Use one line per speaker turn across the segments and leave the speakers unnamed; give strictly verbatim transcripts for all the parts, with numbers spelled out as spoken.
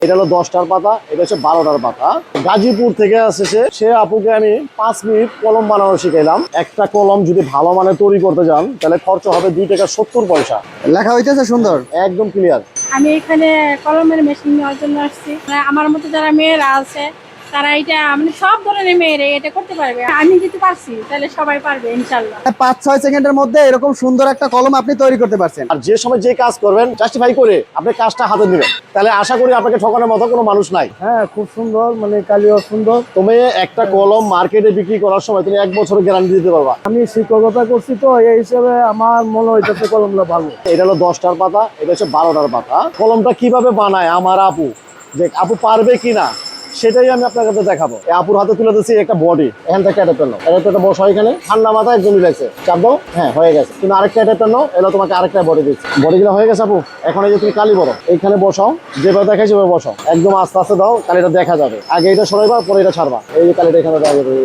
এটা হলো দশটার পাতা, এটা হচ্ছে বারোটার পাতা। গাজীপুর থেকে আসছে সে সে আপুকে আমি পাঁচ মিনিট কলম বানানো শিখাইলাম। একটা কলম যদি ভালো মানের তৈরি করতে যান তাহলে খরচ হবে দুই টাকা সত্তর পয়সা।
লেখা হইতেছে সুন্দর,
একদম ক্লিয়ার।
আমি এখানে কলমের মেশিন নেওয়ার জন্য আসছি। মানে আমার মতো যারা মেয়েরা আছে তারা এটা মানে সব ধরনের মেয়েরা এটা করতে পারবে। আমি যদি পারছি তাহলে সবাই পারবে ইনশাল্লাহ।
পাঁচ ছয় সেকেন্ডের মধ্যে এরকম সুন্দর একটা কলম আপনি তৈরি করতে পারছেন।
আর যে সময় যে কাজ করবেন জাস্টিফাই করে আপনি কাজটা হাতে নেবেন, তাহলে আশা করি আপনাকে ঠকানোর মতো কোনো মানুষ নাই।
হ্যাঁ, খুব সুন্দর, মানে কালিও সুন্দর।
তুমি একটা কলম মার্কেটে বিক্রি করার সময় তুমি এক বছরের গ্যারান্টি দিতে পারবা।
আমি শিক্ষকতা করছি তো এই হিসেবে আমার মনে হইতেছে কলমটা ভালো।
এটা হলো দশটার পাতা, এটা হচ্ছে বারোটার পাতা। কলমটা কিভাবে বানায় আমার আপু, যে আপু পারবে কিনা সেটাই আমি আপনার কাছে দেখাবো। এই আপুর হাতে তুলে দিচ্ছি একটা বডি, এখান থেকে একটা পেন, এটা একটা বসা এখানে ঠান্ডা মাথায় একদম মিলাইছে, চাপ দাও, হ্যাঁ হয়ে গেছে। কিন্তু আরেকটা একটা পেন এলো, তোমাকে আরেকটা বডি দিচ্ছি, বডিগুলো হয়ে গেছে আপু। এখন এই যে তুমি কালি বড় এইখানে বসাও, যেভাবে দেখাই সেভাবে বসাও, একদম আস্তে আস্তে দাও, কালিটা দেখা যাবে। আগে এটা সরাইবা, পরে এটা ছাড়বা। এই যে কালিটা এখানে দেখা যাবে,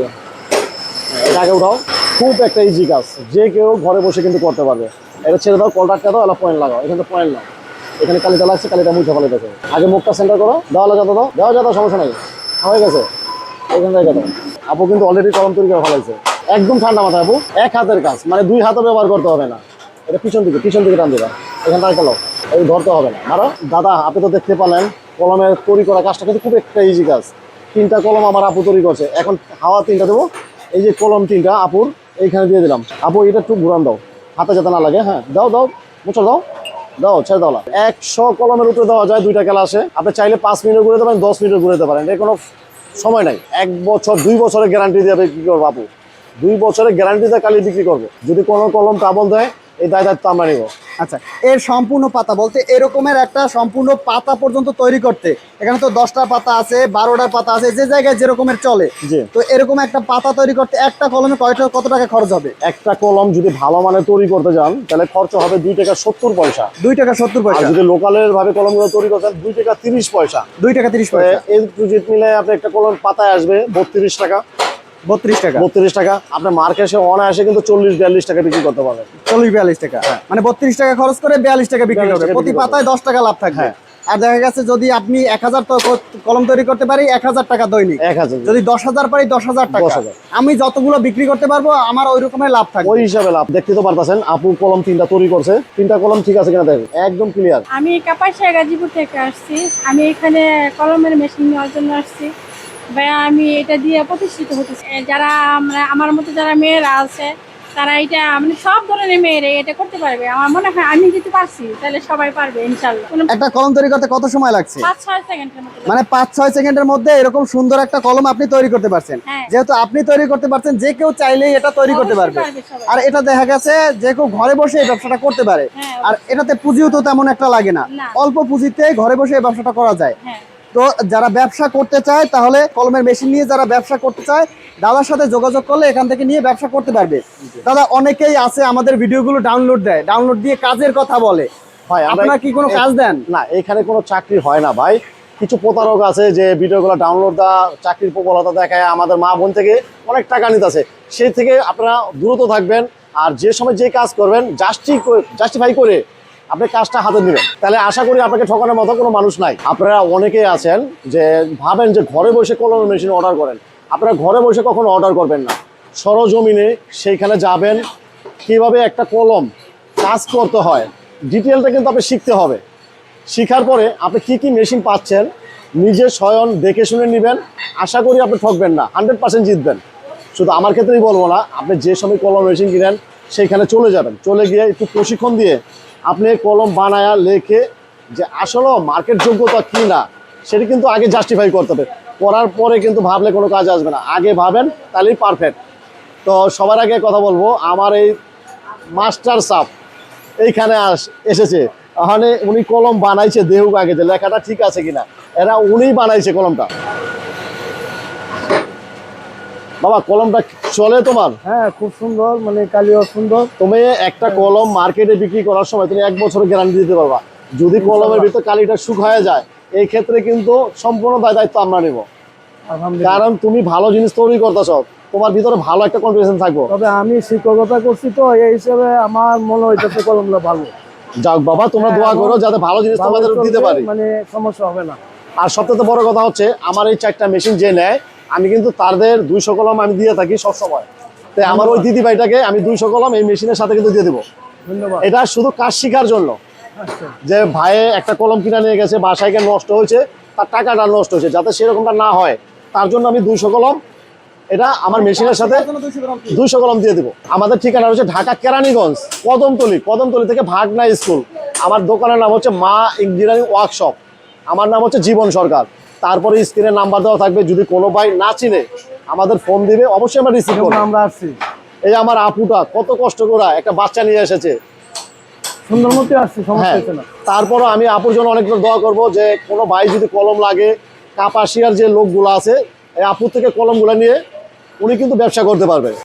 এটা আগে উঠাও। খুব একটা ইজি কাজ, যে কেউ ঘরে বসে কিন্তু করতে পারবে। এটা ছেড়ে দাও, কলটাটটা দাও, এলা পয়েন্ট লাগাও, এখানে পয়েন্ট নাও, এখানে কালিটা লাগছে, কালিটা মুছে ফেলে দেখো। আগে মুখটা সেন্টার করো, দেওয়ালে যত দাও, দেওয়া যত সমস্যা নাই, হয়ে গেছে। এখান থেকে দাও। আপু কিন্তু অলরেডি কলম তৈরি করে ফেলাইছে, একদম ঠান্ডা মাথায় আপু। এক হাতের কাজ, মানে দুই হাতও ব্যবহার করতে হবে না। এটা পিছন দিকে পিছন দিকে টান দিবা, এখান থেকে গেলো, এই ধরতে হবে না। আরো দাদা আপনি তো দেখতে পেলেন কলমের তৈরি করা কাজটা কিন্তু খুব একটা ইজি কাজ। তিনটা কলম আমার আপু তৈরি করছে। এখন হাওয়া তিনটা দেবো, এই যে কলম তিনটা আপুর এইখানে দিয়ে দিলাম। আপু এটা একটু ঘুরান দাও, হাতে যাতে না লাগে। হ্যাঁ দাও দাও, মুছো দাও, দাও ছেড়ে দাও। একশো কলমের উপরে দেওয়া যায় দুইটা ক্লাসে। আপনি চাইলে পাঁচ মিনিট ঘুরে দেবেন, দশ মিনিট ঘুরে দিতে পারেন, এর কোনো সময় নাই। এক বছর দুই বছরের গ্যারান্টি দিয়ে বিক্রি করবো আপু, দুই বছরের গ্যারান্টি দিয়ে কালি বিক্রি করবো। যদি কোনো কলম কাবল দেয় এই দায় দায়িত্ব আমরা নিব।
আচ্ছা, এর সম্পূর্ণ পাতা বলতে এরকমের একটা সম্পূর্ণ পাতা পর্যন্ত তৈরি করতে এখানে তো দশটা পাতা আছে, বারোটার পাতা আছে, যে জায়গায় যেরকমের চলে।
জি,
তো এরকম একটা পাতা তৈরি করতে একটা কলমে কয়টা কত টাকা খরচ হবে?
একটা কলম যদি ভালো মানের তৈরি করতে যান তাহলে খরচ হবে দুই টাকা সত্তর পয়সা।
দুই টাকা সত্তর
আর
পয়সা।
যদি লোকালের ভাবে কলমগুলো তৈরি করতেন দুই টাকা তিরিশ পয়সা।
দুই টাকা তিরিশ পয়সা।
এই দুই মিলে আপনি একটা কলম পাতায় আসবে বত্রিশ টাকা।
বত্রিশ টাকা।
বত্রিশ টাকা আপনার মার্কেটে অনায়াসে কিন্তু চল্লিশ বিয়াল্লিশ টাকা বিক্রি করতে পারবেন।
চল্লিশ বিয়াল্লিশ টাকা, মানে বত্রিশ টাকা খরচ করে বিয়াল্লিশ টাকা বিক্রি
বিয়াল্লিশ
করবে,
টাকা
প্রতি
বিক্রি
পাতায় দশ টাকা লাভ থাকবে।
হ্যাঁ।
আর দেখা গেছে যদি আপনি এক হাজার কলম তৈরি করতে পারি এক হাজার টাকা দৈনিক,
এক হাজার
যদি দশ হাজার পারি দশ হাজার টাকা।
দশ হাজার।
আমি যতগুলো বিক্রি করতে পারবো আমার ওই রকমের লাভ থাকবে।
ওই হিসাবে লাভ। দেখতে তো পারতেছেন আপু কলম তিনটা তৈরি করছে, তিনটা কলম ঠিক আছে কিনা দেখেন, একদম ক্লিয়ার।
আমি কাপাসিয়া গাজীপুর থেকে আসছি। আমি এখানে কলমের মেশিন নেওয়ার জন্য আসছি। ভাই আমি এটা দিয়ে প্রতিষ্ঠিত হতেছি। যারা আমরা আমার মতো যারা মেয়েরা আছে তারা এটা মানে সব ধরনের মেয়েরা এটা করতে পারবে। আমার মনে হয় আমি যদি পারছি তাহলে সবাই পারবে ইনশাল্লাহ।
একটা কলম তৈরি করতে কত সময় লাগছে?
পাঁচ ছয় সেকেন্ডের মতো।
মানে পাঁচ ছয় সেকেন্ডের মধ্যে এরকম সুন্দর একটা কলম আপনি তৈরি করতে পারছেন।
হ্যাঁ।
যেহেতু আপনি তৈরি করতে পারছেন, যে কেউ চাইলেই এটা তৈরি করতে
অবশ্যই
পারবে।
পারবে সবাই।
আর এটা দেখা গেছে যে কেউ ঘরে বসে এই ব্যবসাটা করতে পারে।
হ্যাঁ,
আর এটাতে পুঁজিও তো তেমন একটা লাগে না,
না।
অল্প পুঁজিতে ঘরে বসে এই ব্যবসাটা করা যায়।
হ্যাঁ।
তো যারা ব্যবসা করতে চায় তাহলে কলমের মেশিন নিয়ে যারা ব্যবসা করতে চায় দাদার সাথে যোগাযোগ করলে এখান থেকে নিয়ে ব্যবসা করতে পারবে। দাদা অনেকেই আছে আমাদের ভিডিওগুলো ডাউনলোড দেয়, ডাউনলোড দিয়ে কাজের কথা বলে।
ভাই
আপনারা কি কোনো কাজ দেন?
না, এখানে কোনো চাকরি হয় না ভাই। কিছু প্রতারক আছে যে ভিডিওগুলো ডাউনলোড দেওয়া চাকরির প্রবলতা দেখায় আমাদের মা বোন থেকে অনেক টাকা নিতেছে। সেই থেকে আপনারা দূরত থাকবেন। আর যে সময় যে কাজ করবেন জাস্টি জাস্টিফাই করে আপনি কাজটা হাতে নেবেন, তাহলে আশা করি আপনাকে ঠকানোর মতো কোনো মানুষ নাই। আপনারা অনেকেই আছেন যে ভাবেন যে ঘরে বসে কলম মেশিন অর্ডার করেন। আপনারা ঘরে বসে কখনো অর্ডার করবেন না, সরজমিনে সেইখানে যাবেন, কিভাবে একটা কলম কাজ করতে হয় ডিটেলটা কিন্তু আপনি শিখতে হবে। শিখার পরে আপনি কি কি মেশিন পাচ্ছেন নিজে স্বয়ং দেখে শুনে নেবেন। আশা করি আপনি ঠকবেন না, হান্ড্রেড পার্সেন্ট জিতবেন। শুধু আমার ক্ষেত্রেই বলবো না, আপনি যে সময় কলম মেশিন কিনেন সেইখানে চলে যাবেন, চলে গিয়ে একটু প্রশিক্ষণ দিয়ে আপনি কলম বানায়া লেখে যে আসলে মার্কেট যোগ্যতা কি না সেটা কিন্তু আগে জাস্টিফাই করতে হবে। করার পরে কিন্তু ভাবলে কোনো কাজ আসবে না, আগে ভাবেন তাহলেই পারফেক্ট। তো সবার আগে কথা বলবো, আমার এই মাস্টার সাপ এইখানে আস এসেছে, ওখানে উনি কলম বানাইছে, দেহুক আগে যে লেখাটা ঠিক আছে কিনা, এরা উনিই বানাইছে কলমটা। বাবা কলমটা চলে তোমার?
হ্যাঁ, খুব সুন্দর, মানে কালিও সুন্দর।
তুমি একটা কলম মার্কেটে বিক্রি করার সময় তুমি এক বছরের গ্যারান্টি দিতে পারবা। যদি কলমের ভিতরে কালিটা শুকায় যায় এই ক্ষেত্রে কিন্তু সম্পূর্ণ দায় দায়িত্ব আমরা নেব।
আলহামদুলিল্লাহ।
কারণ তুমি ভালো জিনিস তৈরি করতেছ, তোমার ভিতরে ভালো একটা কনফিডেন্স থাকবো।
তবে আমি শিক্ষকতা করছি তো এই হিসেবে আমার মনে হইতেছে কলমটা ভালো।
যাক বাবা, তোমরা দোয়া করো যাতে ভালো জিনিস
ভালো
তোমাদের দিতে
চলবে,
পারি।
মানে সমস্যা হবে না।
আর সবথেকে বড় কথা হচ্ছে আমার এই চারটা মেশিন যে নেয় আমি কিন্তু তাদের দুইশো কলম আমি দিয়ে থাকি সবসময়। তাই আমার ওই দিদি ভাইটাকে আমি দুইশো কলম এই মেশিনের সাথে কিন্তু দিয়ে দেবো।
ধন্যবাদ।
এটা শুধু কাজ শেখার জন্য,
আচ্ছা
যে ভাইয়ে একটা কলম কিনে নিয়ে গেছে বাসায় গিয়ে নষ্ট হয়েছে, তার টাকাটা নষ্ট হয়েছে, যাতে সেরকমটা না হয় তার জন্য আমি দুইশো কলম এটা আমার মেশিনের সাথে দুইশো কলম দিয়ে দেবো। আমাদের ঠিকানা হচ্ছে ঢাকা কেরানীগঞ্জ কদমতলি, কদমতলি থেকে ভাগনা স্কুল। আমার দোকানের নাম হচ্ছে মা ইঞ্জিনিয়ারিং ওয়ার্কশপ। আমার নাম হচ্ছে জীবন সরকার। তারপরে স্ক্রিনে নাম্বার দেওয়া থাকবে, যদি কোনো ভাই না চিনে আমাদের ফোন দিবে, অবশ্যই আমরা রিসিভ করবো।
আমরা আসছি
এই আমার আপুটা কত কষ্ট করে একটা বাচ্চা নিয়ে এসেছে।
সুন্দরমতি আসছি, সমস্যা
হ্যাঁ,
হচ্ছে না।
তারপরও আমি আপুর জন্য অনেক দোয়া করবো যে কোনো ভাই যদি কলম লাগে, কাপাসিয়ার যে লোকগুলো আছে এই আপুর থেকে কলমগুলো নিয়ে উনি কিন্তু ব্যবসা করতে পারবে।